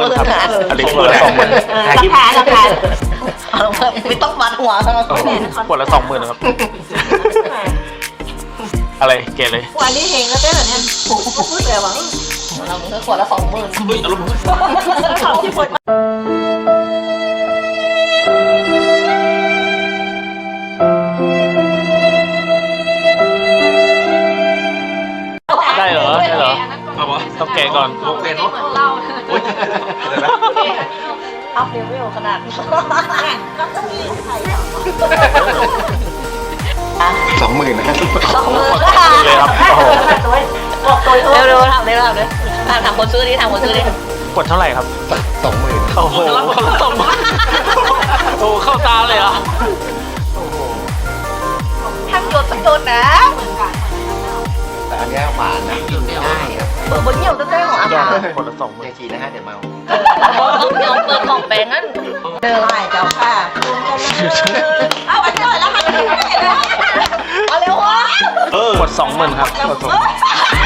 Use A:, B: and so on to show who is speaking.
A: 20,000ครับอันนี้ขวดละ20,000
B: ราคาไม่ต้องมัดหัว
A: ขวดละ20,000ครับอะไรเกลียดเลย
B: วันนี้เฮงก็ได้เหรอเนี่ยถูกพูดเลยว่าเราเมื่อขวดละ20,000
A: อารมณ์
B: ที่ขวด
A: ได้เหรอต้องแกะก่อนเป็นเล่า
B: อัพเลเวลขนาดก็ต้องมีใคร
C: 20,000นะ
B: 20,000
A: เลยครับโอ้โห
B: บอกตัวเร็วๆทำเลยถามคนซื้อดิ
A: ขวดเท่าไหร่ครับ
C: 20,000
A: โอ้โหคนละ20,000โอ้เข้าตาเลยเหรอ
B: ทำโยนโดนนะ
C: แต่อันนี้หวานนะกินง่ายครับ
B: เปิดบนเหี่ยวเต้ๆของอาหาร
A: ขวดละ20,000
C: อย่าฉีดนะฮะเดี๋ยวเมา
B: ต้องยอมเปิดของแปลงนั้นเดินไปเจ้าค่ะเอาไปจ่อยแล้วค่ะเอาเร็ววะ
A: ขวด20,000ครับขวด20,000